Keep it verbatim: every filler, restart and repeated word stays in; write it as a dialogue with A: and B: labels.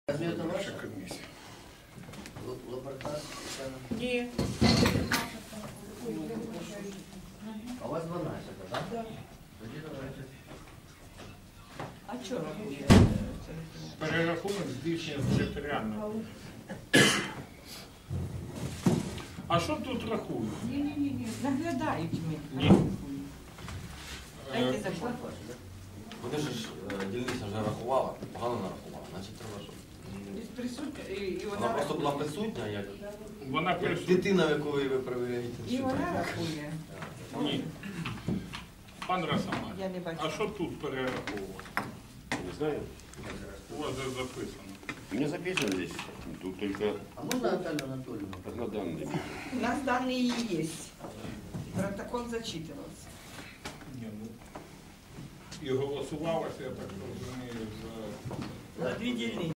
A: Разве это ваша
B: комиссия?
A: Лабортар?
C: Ні.
A: А у вас дванадцять, так?
C: Да.
A: Тоді давайте.
C: А що рахує?
B: Перерахунок здійснює територіально. А що тут рахують?
C: Ні-ні-ні, наглядають ми.
B: Ні.
C: Дайте
B: Е,
C: закон.
D: Вони ж е, дільниця вже рахувала, погано нарахувала, значить треба, щоб...
C: І присутня, і, і
D: Вона
C: вона
D: просто була
C: рахує.
D: присутня, як,
B: Вона
D: як
B: присутня.
D: дитина, якої ви перевіряєте.
C: І вона рахує.
B: Ні. Пан Росомах,
C: Я не бачу.
B: а що тут перераховувати?
E: Не знаю.
B: У вас же записано.
E: У меня записано здесь. Тут только
A: А можна Наталью Анатольевну?
E: однодданные.
C: У нас дані є. Протокол зачитувався.
B: Ні, ну, і голосувалося, я так розумію, за...
C: Дві дільниці.